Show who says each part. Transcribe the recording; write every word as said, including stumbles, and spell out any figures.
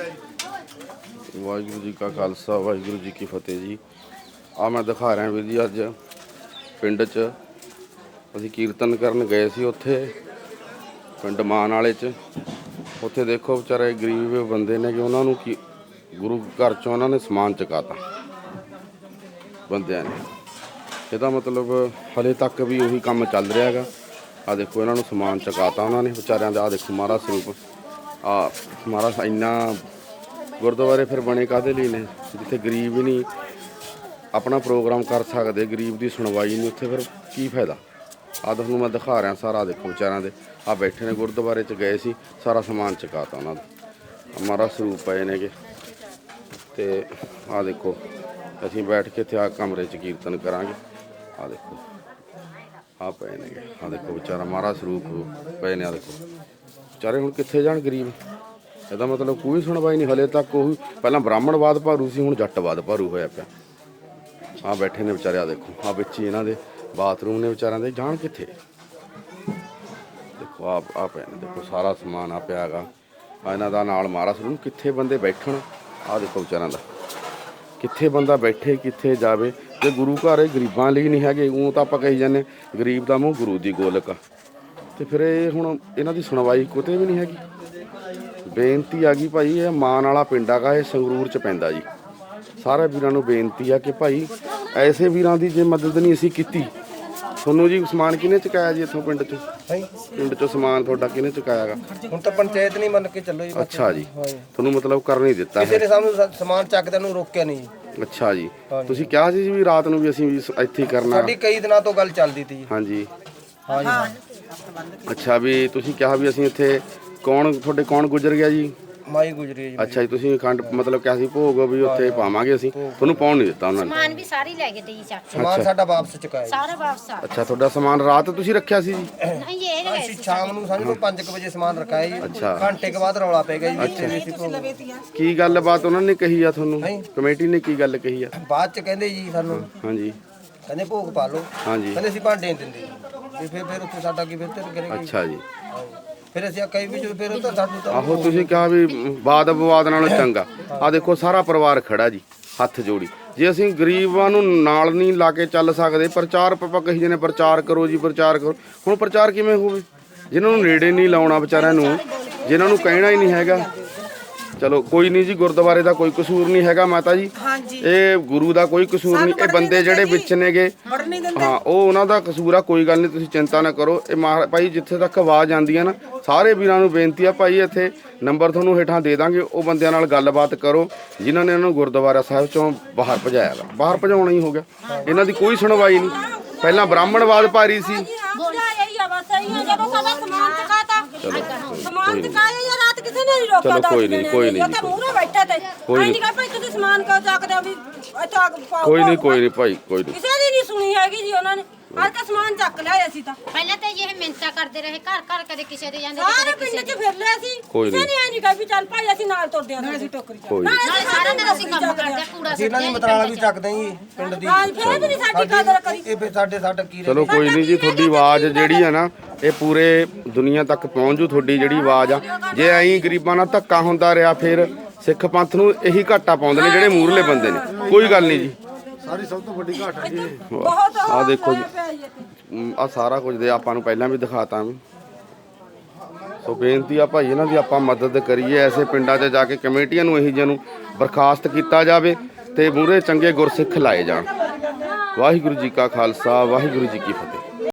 Speaker 1: वाहिगुरू जी का खालसा वाहिगुरू जी की फतेह जी। आ मैं दिखा रहा वीर जी अज पिंड च असीं कीर्तन करन गए सी उत्थे पिंड मान वाले च। उत्थे देखो बेचारे गरीब बंदे ने कि उन्होंने की गुरु घर चों उन्होंने समान चुकाता बंदियां ने। ਇਹਦਾ मतलब हले तक भी उही काम चल रहा है। आ देखो इन्होंने समान चुकाता उन्होंने बेचारियां दा। आ देखो महाराज स्वरूप आ महाराज इन्ना गुरुद्वारे फिर बने काहदे लई ने जिथे गरीब ही नहीं अपना प्रोग्राम कर सकते, गरीब की सुनवाई नहीं, उत्थे फिर की फायदा। आ तुहानूं मैं दिखा रहा सारा देखो बेचारियां दे आ बैठे ने गुरुद्वारे च गए सी सारा समान चुकाता उन्होंने। महाराज स्वरूप पे ने ते आ देखो असीं बैठ के इत्थे आ कमरे च कीर्तन करांगे। आ देखो आ पे ने आ देखो बेचारा महाराज स्वरूप पे ने। आ देखो बेचारे हुण कित्थे जाण गरीब। ਇਹਦਾ मतलब कोई सुनवाई नहीं हले तक। ਉਹੀ ਪਹਿਲਾਂ ਬ੍ਰਾਹਮਣਵਾਦ ਭਾਰੂ ਸੀ ਹੁਣ ਜੱਟਵਾਦ ਭਾਰੂ ਹੋਇਆ ਪਿਆ। ਆ ਬੈਠੇ ਨੇ ਵਿਚਾਰੇ ਆ ਦੇਖੋ ਆ ਵਿੱਚ ਹੀ ਇਹਨਾਂ ਦੇ ਬਾਥਰੂਮ ਨੇ ਵਿਚਾਰਿਆਂ ਦੇ ਜਾਣ ਕਿੱਥੇ। ਦੇਖੋ ਆ ਆ ਪਏ ਨੇ ਦੇਖੋ ਸਾਰਾ ਸਮਾਨ ਆ ਪਿਆ ਹੈਗਾ ਆ ਇਹਨਾਂ ਦਾ ਨਾਲ ਮਹਾਰਾਜ ਨੂੰ ਕਿੱਥੇ ਬੰਦੇ ਬੈਠਣ। ਆ ਦੇਖੋ ਵਿਚਾਰਿਆਂ ਦਾ ਕਿੱਥੇ ਬੰਦਾ ਬੈਠੇ ਕਿੱਥੇ ਜਾਵੇ ਤੇ ਗੁਰੂ ਘਰ ਇਹ ਗਰੀਬਾਂ ਲਈ ਨਹੀਂ ਹੈਗੇ। ਉਹ ਤਾਂ ਆਪਾਂ ਕਹੀ ਜਾਂਦੇ ਗਰੀਬ ਦਾ ਮੂੰਹ ਗੁਰੂ ਦੀ ਗੋਲਕ ਆ ਤੇ ਫਿਰ ਇਹ ਹੁਣ ਇਹਨਾਂ ਦੀ ਸੁਣਵਾਈ ਕਿਤੇ ਵੀ ਨਹੀਂ ਹੈਗੀ। बेनती आ गई भाई ये मान वाला पिंड है ये संगरूर च पैंदा जी। सारे वीरां नूं बेनती है कि भाई ऐसे वीरां दी जे मदद नहीं असीं कीती। तुहानूं जी समान किहने चुकाया जी इत्थों पिंड चों? पिंड चों समान तुहाडा किहने चुकाया गा?
Speaker 2: हुण तां पंचायत नहीं मन के चलो जी।
Speaker 1: अच्छा जी तुहानूं मतलब कर नहीं दित्ता
Speaker 2: किसी ने सानूं समान चकदे नूं रोकिया नहीं।
Speaker 1: अच्छा जी तुसीं कहा सी भी रात नूं भी असीं भी इत्थे ही करना।
Speaker 2: साडी कई दिनां तो गल चलदी ती जी।
Speaker 1: हाँ जी
Speaker 2: हाँ जी
Speaker 1: अच्छा भी तुसीं कहा भी असीं इत्थे कौन थोड़े कौन गुजर गया जी?
Speaker 2: माई गुजरी है जी।
Speaker 1: अच्छा जी तुसीं खंड मतलब क्या सी भोग भी उत्थे पावांगे असीं तुहानूं पाउण नहीं दित्ता उन्होंने।
Speaker 3: समान भी सारी ले गए थे जी चक
Speaker 2: समान साडा वापस चुकाया जी।
Speaker 3: सारा वापस आ
Speaker 1: अच्छा तुहाडा समान रात तुसीं रखिया सी जी?
Speaker 3: नहीं ये ले
Speaker 2: ਅਸੀਂ ਸ਼ਾਮ ਨੂੰ ਸਾਨੂੰ ਤੋਂ ਪੰਜ ਵਜੇ ਸਮਾਨ ਰਖਾਇਆ ਜੀ।
Speaker 1: ਅੱਛਾ।
Speaker 2: ਘੰਟੇ ਕੇ ਬਾਅਦ ਰੌਲਾ ਪੈ ਗਿਆ ਜੀ। ਇੱਥੇ ਵੀ ਅਸੀਂ ਭੋਗ-
Speaker 1: ਕੀ ਗੱਲਬਾਤ ਉਹਨਾਂ ਨੇ ਕਹੀ ਆ ਤੁਹਾਨੂੰ? ਕਮੇਟੀ ਨੇ ਕੀ ਗੱਲ ਕਹੀ ਆ?
Speaker 2: ਬਾਅਦ ਚ ਕਹਿੰਦੇ ਜੀ ਸਾਨੂੰ
Speaker 1: ਹਾਂਜੀ
Speaker 2: ਕਹਿੰਦੇ ਭੋਗ ਪਾ ਲਓ।
Speaker 1: ਹਾਂਜੀ
Speaker 2: ਕਹਿੰਦੇ ਅਸੀਂ ਭਾਂਡੇ ਨਹੀਂ ਦਿੰਦੇ ਜੀ। ਤੇ ਫਿਰ ਫਿਰ ਉੱਥੇ ਸਾਡਾ ਕੀ ਬਿਹਤਰ ਕਰੇਗਾ ਜੀ।
Speaker 1: ਅੱਛਾ ਜੀ
Speaker 2: ਫਿਰ ਅਸੀਂ ਕਈ ਵੀ ਜਦੋਂ ਫਿਰ ਉਹ ਤਾਂ ਸਾਨੂੰ ਤਾਂ
Speaker 1: ਆਹੋ ਤੁਸੀਂ ਕਿਹਾ ਵੀ ਬਾਦ ਵਿਵਾਦ ਨਾਲੋਂ ਚੰਗਾ। ਆ ਦੇਖੋ ਸਾਰਾ ਪਰਿਵਾਰ ਖੜਾ ਜੀ ਹੱਥ ਜੋੜੀ। ਜੇ ਅਸੀਂ ਗਰੀਬਾਂ ਨੂੰ ਨਾਲ ਨਹੀਂ ਲਾ ਕੇ ਚੱਲ ਸਕਦੇ ਪ੍ਰਚਾਰ ਆਪਾਂ ਕਹੀ ਜਾਂਦੇ ਪ੍ਰਚਾਰ ਕਰੋ ਜੀ ਪ੍ਰਚਾਰ ਕਰੋ। ਹੁਣ ਪ੍ਰਚਾਰ ਕਿਵੇਂ ਹੋਵੇ ਜਿਨ੍ਹਾਂ ਨੂੰ ਨੇੜੇ ਨਹੀਂ ਲਾਉਣਾ ਵਿਚਾਰਿਆਂ ਨੂੰ ਜਿਨ੍ਹਾਂ ਨੂੰ ਕਹਿਣਾ ਹੀ ਨਹੀਂ ਹੈਗਾ। ਚਲੋ ਕੋਈ ਨਹੀਂ ਜੀ ਗੁਰਦੁਆਰੇ ਦਾ ਕੋਈ ਕਸੂਰ ਨਹੀਂ ਹੈਗਾ ਮਾਤਾ ਜੀ। ਇਹ ਗੁਰੂ ਦਾ ਕੋਈ ਕਸੂਰ ਨਹੀਂ। ਇਹ ਬੰਦੇ ਜਿਹੜੇ ਵਿੱਚ ਨੇਗੇ ਹਾਂ ਉਹ ਉਹਨਾਂ ਦਾ ਕਸੂਰ ਆ। ਕੋਈ ਗੱਲ ਨਹੀਂ ਤੁਸੀਂ ਚਿੰਤਾ ਨਾ ਕਰੋ। ਇਹ ਮਹਾ ਭਾਈ ਜਿੱਥੇ ਤੱਕ ਆਵਾਜ਼ ਆਉਂਦੀ ਹੈ ਨਾ ਸਾਰੇ ਵੀਰਾਂ ਨੂੰ ਬੇਨਤੀ ਆ ਭਾਈ ਇੱਥੇ ਨੰਬਰ ਤੁਹਾਨੂੰ ਹੇਠਾਂ ਦੇ ਦਾਂਗੇ। ਉਹ ਬੰਦਿਆਂ ਨਾਲ ਗੱਲਬਾਤ ਕਰੋ ਜਿਨ੍ਹਾਂ ਨੇ ਇਹਨਾਂ ਨੂੰ ਗੁਰਦੁਆਰਾ ਸਾਹਿਬ ਚੋਂ ਬਾਹਰ ਭਜਾਇਆ ਵਾ। ਬਾਹਰ ਭਜਾਉਣਾ ਹੀ ਹੋ ਗਿਆ। ਇਹਨਾਂ ਦੀ ਕੋਈ ਸੁਣਵਾਈ ਨਹੀਂ। ਪਹਿਲਾਂ ਬ੍ਰਾਹਮਣਵਾਦ ਭਾਰੀ ਸੀ।
Speaker 4: ਸਮਾਨ ਚਕਾਇਆ ਜਾਂ ਰਾਤ ਕਿਸੇ ਨੇ ਨਹੀਂ ਰੋਕਿਆ।
Speaker 1: ਚਲੋ ਕੋਈ ਨਹੀਂ ਕੋਈ ਨਹੀਂ
Speaker 4: ਤਾਂ ਮੂਹਰੇ ਬੈਠੇ ਤੇ ਕੋਈ ਨਹੀਂ ਭਾਈ ਤੁਸੀਂ ਸਮਾਨ ਕਿਉਂ ਚੱਕਦੇ ਹੋ ਵੀ ਇੱਥੇ ਆ ਕੇ ਪਾਓ।
Speaker 1: ਕੋਈ ਨਹੀਂ ਕੋਈ ਨਹੀਂ ਭਾਈ ਕੋਈ ਨਹੀਂ
Speaker 4: ਕਿਸੇ ਦੀ ਨਹੀਂ ਸੁਣੀ ਹੈਗੀ ਜੀ ਉਹਨਾਂ ਨੇ। ਹਰ ਕਾ ਸਮਾਨ ਚੱਕ ਲਿਆ ਅਸੀਂ ਤਾਂ
Speaker 3: पहले तो ये मिन्नतां करते रहे घर घर कदे किसी दे जांदे
Speaker 4: ਸਾਰੇ ਪਿੰਡ 'ਚ ਫਿਰ ਲਿਆ ਸੀ।
Speaker 1: ਕੋਈ
Speaker 4: ਕਿਸੇ ਨੇ ਐ ਨਹੀਂ ਕਹੀ ਵੀ ਚੱਲ ਭਾਈ ਅਸੀਂ ਨਾਲ ਤੁਰਦੇ ਆਂ। ਅਸੀਂ ਟੋਕਰੀ
Speaker 1: ਕੋਈ
Speaker 3: नाले सारा दिन ਅਸੀਂ ਕੰਮ ਕਰਦੇ ਆ ਕੂੜਾ
Speaker 2: ਇਹਨਾਂ ਦੀ ਮਤਰਾਲਾ ਵੀ ਚੱਕਦੇ ਜੀ ਪਿੰਡ ਦੀ।
Speaker 4: ਹਾਂ ਫਿਰ ਵੀ ਨਹੀਂ ਸਾਡੀ ਕਦਰ ਕਰੀ।
Speaker 2: ਇਹ ਫਿਰ ਸਾਡੇ ਸਾਡਾ ਕੀ
Speaker 1: ਚਲੋ ਕੋਈ ਨਹੀਂ ਜੀ ਤੁਹਾਡੀ ਆਵਾਜ਼ ਜਿਹੜੀ ਆ ਨਾ ਇਹ ਪੂਰੇ ਦੁਨੀਆ ਤੱਕ ਪਹੁੰਚ ਜੂ। ਤੁਹਾਡੀ ਜਿਹੜੀ ਆਵਾਜ਼ ਆ ਜੇ ਐਂ ਗਰੀਬਾਂ ਨਾਲ ਧੱਕਾ ਹੁੰਦਾ ਰਿਹਾ ਫਿਰ ਸਿੱਖ ਪੰਥ ਨੂੰ ਇਹੀ ਘਾਟਾ ਪਾਉਂਦੇ ਨੇ ਜਿਹੜੇ ਮੂਰਲੇ ਬੰਦੇ ਨੇ। ਕੋਈ ਗੱਲ ਨਹੀਂ ਜੀ
Speaker 2: ਸਾਰੀ ਸਭ ਤੋਂ ਵੱਡੀ ਘਾਟ ਹੈ ਜੀ।
Speaker 4: ਬਹੁਤ
Speaker 1: ਆ ਦੇਖੋ ਜੀ ਆ ਸਾਰਾ ਕੁਝ ਦੇ ਆਪਾਂ ਨੂੰ ਪਹਿਲਾਂ ਵੀ ਦਿਖਾਤਾ ਵੀ। ਸੋ ਬੇਨਤੀ ਆ ਭਾਈ ਇਹਨਾਂ ਦੀ ਆਪਾਂ ਮਦਦ ਕਰੀਏ। ਐਸੇ ਪਿੰਡਾਂ 'ਚ ਜਾ ਕੇ ਕਮੇਟੀਆਂ ਨੂੰ ਇਹੀ ਜਿਹੇ ਨੂੰ ਬਰਖਾਸਤ ਕੀਤਾ ਜਾਵੇ ਤੇ ਮੂਹਰੇ ਚੰਗੇ ਗੁਰਸਿੱਖ ਲਾਏ ਜਾਣ। ਵਾਹਿਗੁਰੂ ਜੀ ਕਾ ਖਾਲਸਾ ਵਾਹਿਗੁਰੂ ਜੀ ਕੀ ਫਤਿਹ।